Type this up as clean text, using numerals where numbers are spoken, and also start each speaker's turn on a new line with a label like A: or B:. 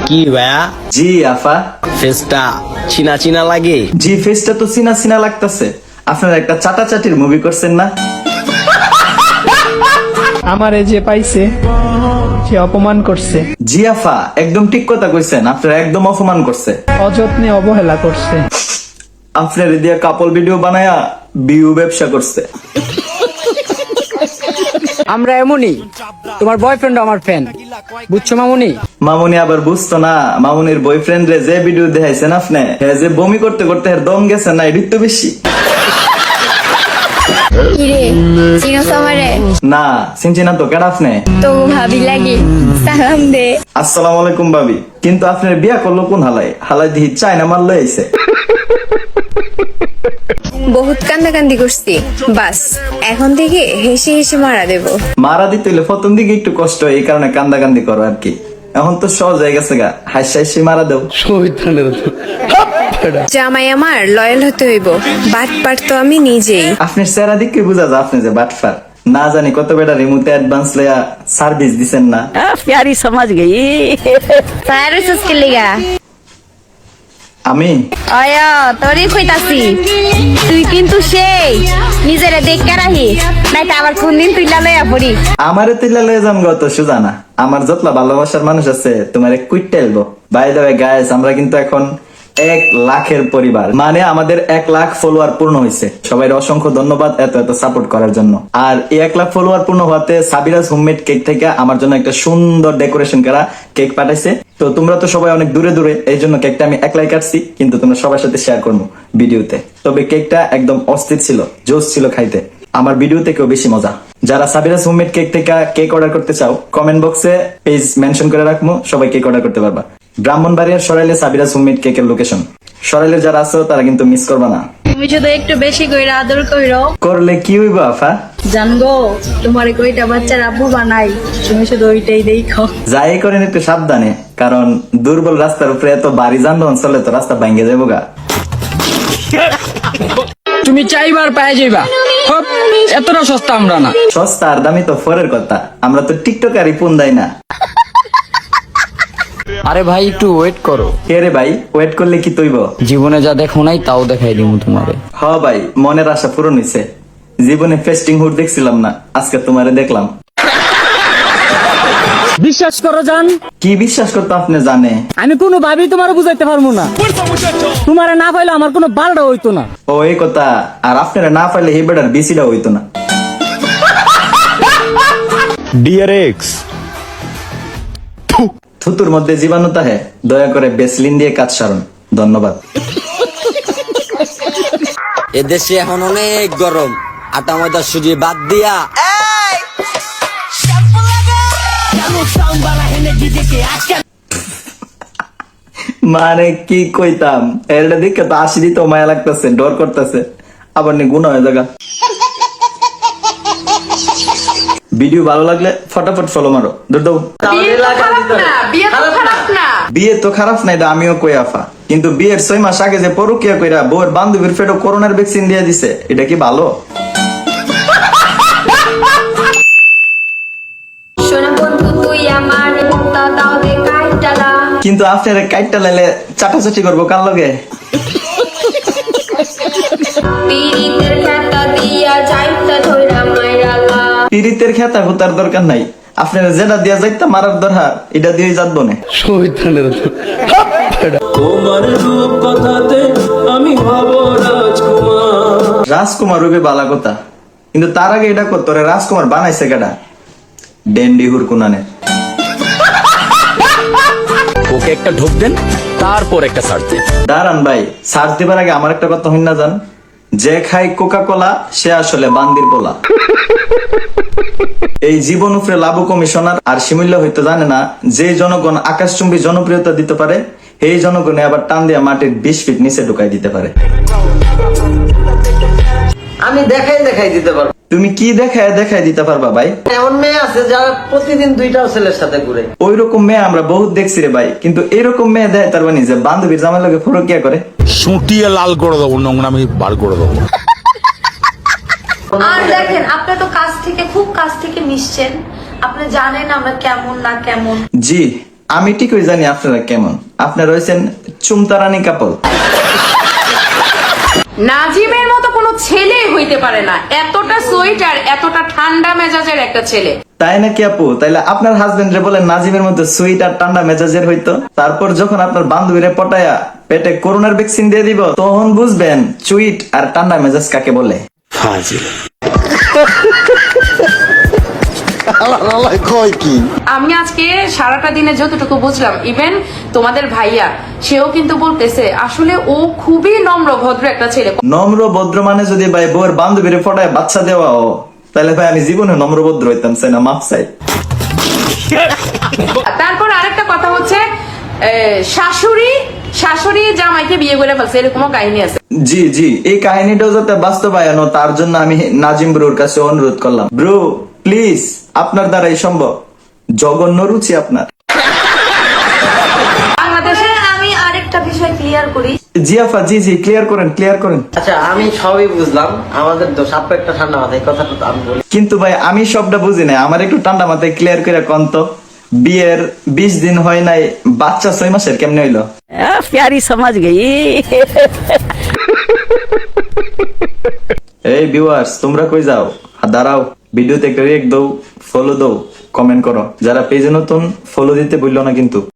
A: কি ভাইয়া?
B: জি আফা।
A: ফেসটা চিনা চিনা লাগে।
B: জি ফেসটা তো চিনা চিনা লাগতেছে। আপনারা একটা চাটাচাটির মুভি করছেন না?
C: আমারে যে পাইছে সে অপমান করছে,
B: জি আফা, একদম ঠিক কথা কইছেন। আপনারা একদম অপমান করছে।
C: অযত্নে অবহেলা করছে।
B: আপনার দিয়ে কাপল ভিডিও বানায়া বিউ ব্যবসা করছে।
D: আমরা এমনই, তোমার বয়ফ্রেন্ড আমার ফ্যান, বুঝছো মামুনি?
B: মামুনি আবার বুঝতো না, মামুনির বয়ফ্রেন্ড রে যে ভিডিও দেখাইছেন আপনি, হ্যাঁ যে বমি করতে করতে এর দম গেছে না, এডিট তো বেশি।
E: কিরে চিনোস আমারে?
B: না চিনছি না তো, কেডা আপনি?
E: তো ভাবি লাগি, সালাম দে।
B: আসসালামু আলাইকুম ভাবি। কিন্তু আপনার বিয়া করলো কোন হালাই? হালাই দিহি চায়না মারলে আইছে।
E: বহুত কান্দাকান্দি করছি, বাস এখন থেকে হেসে হেসে মারা দেব।
B: মারা দিতে হইলে প্রথম দিকে একটু কষ্ট হয়, এই কারণে কান্দাকান্দি করো আর কি। এখন তো সহজ হয়ে গেছে গা, হাসি হাসি মারা দেও।
E: জামাই আমার লয়াল হতে হইব, বাট পাট তো আমি নিজেই।
B: আপনার চেহারা দিকে বুঝা যায় আপনি যে বাটফার। না জানি কত বেটা রিমোটে অ্যাডভান্স লয়া সার্ভিস দিছেন না।
D: প্যারি সমাজ গই।
E: সাইরাসস কে লিগা?
B: আমি
E: আয়া তোরই কইতাছি, তুই কিন্তু সেই নিজেরে দেখে রাহি, নাইতো আবার কোনদিন তুই লয়া পড়ি।
B: আমারে তুইলা লয়ে যাম গত সুজানা। আমার যতলা ভালোবাসার মানুষ আছে তোমারে কুইটটা এলবো। বাই দ্য ওয়ে গাইস, আমরা কিন্তু এখন 1 লাখের পরিবার, মানে আমাদের 1 লাখ ফলোয়ার পূর্ণ হয়েছে। সবাই অসংখ্য ধন্যবাদ এত এত সাপোর্ট করার জন্য। আর এই 1 লাখ ফলোয়ার পূর্ণ হওয়াতে সাবিরাজ হোমমেড কেক থেকে আমার জন্য একটা সুন্দর ডেকোরেশন করা কেক পাঠাইছে। তো তোমরা তো সবাই অনেক দূরে দূরে, এই জন্য কেকটা আমি একলাই কাটছি, কিন্তু তোমরা সবার সাথে শেয়ার করবো ভিডিওতে। তবে কেকটা একদম অস্থির ছিল, জোস ছিল খাইতে। আমার ভিডিও থেকেও বেশি মজা। যারা সাবিরাজ হোমমেড কেক থেকে কেক অর্ডার করতে চাও, কমেন্ট বক্সে পেজ মেনশন করে রাখবো, সবাই কেক অর্ডার করতে পারবা। ব্রাহ্মণবাড়িয়ার সরাইলে সাবিরাজ হোমমেড কেকের লোকেশন। সরাইলে যারা আছো তারা কিন্তু মিস করবা না।
F: তুমি শুধু একটু বেশি কইরা আদর কইরো।
B: করলে কি হইব আফা?
F: জানগো তোমার কইটা বাচ্চার আব্বু বানাই, তুমি শুধু ওইটাই দেখো।
B: যাই করেন একটু সাবধানে, কারণ দুর্বল রাস্তার উপরে এত ভারী যানবাহন চলে তো রাস্তা ভাঙ্গে যাবো গা।
D: তুমি চাইবার পায়ে যাইবা, হপ, এতটা সস্তা আমরা না।
B: সস্তা আর দামি তো ফরের কথা, আমরা তো টিকটকারই পুন দেয় না।
D: আরে ভাই একটু ওয়েট করো।
B: কে রে ভাই, ওয়েট করলে কি তৈব?
D: জীবনে যা দেখো নাই তাও দেখাই দিব তোমারে।
B: হ ভাই, মনের আশা পূরণ হইছে। জীবনে ফেস্টিং হুড দেখছিলাম না, আজকে তোমারে দেখলাম।
D: বিশ্বাস করো জান,
B: কি বিশ্বাস করতে আপনি জানে?
D: আমি কোনো ভাবেই তোমার বুঝাইতে পারবো না। তোমারে না পাইলে আমার কোনো বালটা হইতো না।
B: ও এই কথা। আর আপনারা না পাইলে এই বেটার বিসিটা হইতো না।
A: ডিয়ার এক্স,
B: থুতুর মধ্যে জীবাণু তাহে, দয়া করে বেসলিন দিয়ে কাজ সারুন। ধন্যবাদ।
G: এদেশে এখন অনেক গরম, আটা ময়দা সুজি বাদ দিয়া
B: মানে কি কইতাম, এরটা দেখে তো আসি তো মায়া লাগতেছে, ডর করতেছে, আবার নি গুণ হয়ে জায়গা। ভিডিও ভালো লাগলে ফটাফট ফলো মারো, দৌড় দাও। বিয়ে তো খারাপ না, এটা আমিও কই আফা, কিন্তু বিয়ের 6 মাস আগে যে পরকিয়া কইরা বউয়ের বান্ধবীর ফেটো করোনার ভ্যাকসিন দিয়ে দিছে, এটা কি ভালো?
E: সোনা বন্ধু তুই আমার মুক্তা দাও দে কাইটালা।
B: কিন্তু আপনার কাইটটা লাইলে চাটাচাটি করবো কার লগে?
E: পীড়িতের খাতা দিয়া যাইতা ধইরা মাইরালা।
B: পিরিতের খেতা হুতার দরকার নাই, আপনার যেটা দিয়া যাইতা মারার দরকার, এটা দিয়ে যাবো না। রাজকুমার রূপে বালা কথা, কিন্তু তার আগে এটা করতো রে রাজকুমার বানাইছে কেডা? ডেন্ডি হুরকুনানে।
A: ওকে একটা ঢোক দেন, তারপর একটা সার্চ দেন।
B: দাঁড়ান ভাই, সার্চ দিবার আগে আমার একটা কথা হইন না জান, যে খাই কোকা কোলা সে আসলে বান্দির পোলা। এই জীবন উপরে লাভ কমিশনার আর শিমুল্য হইতে জানে না, যে জনগণ আকাশচুম্বী জনপ্রিয়তা দিতে পারে, এই জনগণে আবার টান দিয়া মাটির 20 ফিট নিচে ঢুকাই দিতে পারে।
H: আমি দেখাই দিতে পারবো।
B: তুমি কি দেখায় দিতে পারবা ভাই?
H: এমন মেয়ে আছে যারা প্রতিদিন 2টা ছেলের সাথে ঘুরে।
B: ওই রকম মেয়ে আমরা বহুত দেখছি রে ভাই, কিন্তু এরকম মেয়ে দেয় তার মানে যে বান্ধবীর জামাই লগে ফরকিয়া করে।
I: সুটিয়ে লাল করে দেবো, নোংরামি বার করে দেবো।
F: আর দেখেন আপনি তো কাছ থেকে খুব কাছ থেকে মিশছেন, আপনি জানেন আমরা কেমন না কেমন।
B: জি আমি ঠিকই জানি আপনারা কেমন, আপনারা হয়েছেন চুমতারানি কাপল।
J: নাজিমের মতো কোনো ছেলে হইতে পারে না, এতটা সুইট আর এতটা ঠান্ডা মেজাজের একটা ছেলে।
B: তাই নাকি আপু? তাইলে আপনার হাজবেন্ড রে বলেন নাজিমের মধ্যে সুইট আর ঠান্ডা মেজাজের হইতো, তারপর যখন আপনার বান্ধবীরে পটায়া পেটে করোনার ভ্যাকসিন দিয়ে দিব তখন বুঝবেন সুইট আর ঠান্ডা মেজাজ কাকে বলে।
J: আমি আজকে সারাটা দিনে যতটুকু বুঝলাম, ইভেন তোমাদের ভাইয়া সেও কিন্তু বলতেছে আসলে ও খুবই নম্র ভদ্র একটা ছেলে।
B: নম্র ভদ্র মানে যদি ভাই বউয়ের বান্ধবীরে পটায় বাচ্চা দেওয়া ও, তাহলে ভাই আমি জীবনে নম্র ভদ্র হইতাম চাই না, মাপ চাই।
J: তারপর আরেকটা কথা হচ্ছে শাশুড়ি জামাইকে বিয়ে করে ফেলছে, এরকমও কাহিনী আছে।
B: জি জি, এই কাহিনীটাও যাতে বাস্তবায়ন হয়, তার জন্য আমি নাজিম ব্রোর কাছে অনুরোধ করলাম, ব্রো প্লিজ আপনার দ্বারাই সম্ভব, জঘন্য রুচি আপনার।
J: বাংলাদেশে
F: আমি আরেকটা বিষয় ক্লিয়ার করি।
B: জি আফা, জি জি, ক্লিয়ার করেন ক্লিয়ার করেন।
H: আচ্ছা আমি সবই বুঝলাম, আমাদের দোষ, আপু একটা ঠান্ডা মাথায় কথাটা তো আমি বলি।
B: কিন্তু ভাই আমি সবটা বুঝি না, আমার একটু ঠান্ডা মাথায় ক্লিয়ার করে কোন তো, বিয়ের 20 দিন হয় নাই, বাচ্চা 6 মাসের কেমনে হইলো?
D: প্যারি সমাজ গই।
B: এই ভিউয়ার্স, তোমরা কই যাও? দাঁড়াও, ভিডিওতে একটা রিয়েক্ট দাও, ফলো দাও, কমেন্ট করো। যারা পেজে নতুন, ফলো দিতে ভুললো না কিন্তু।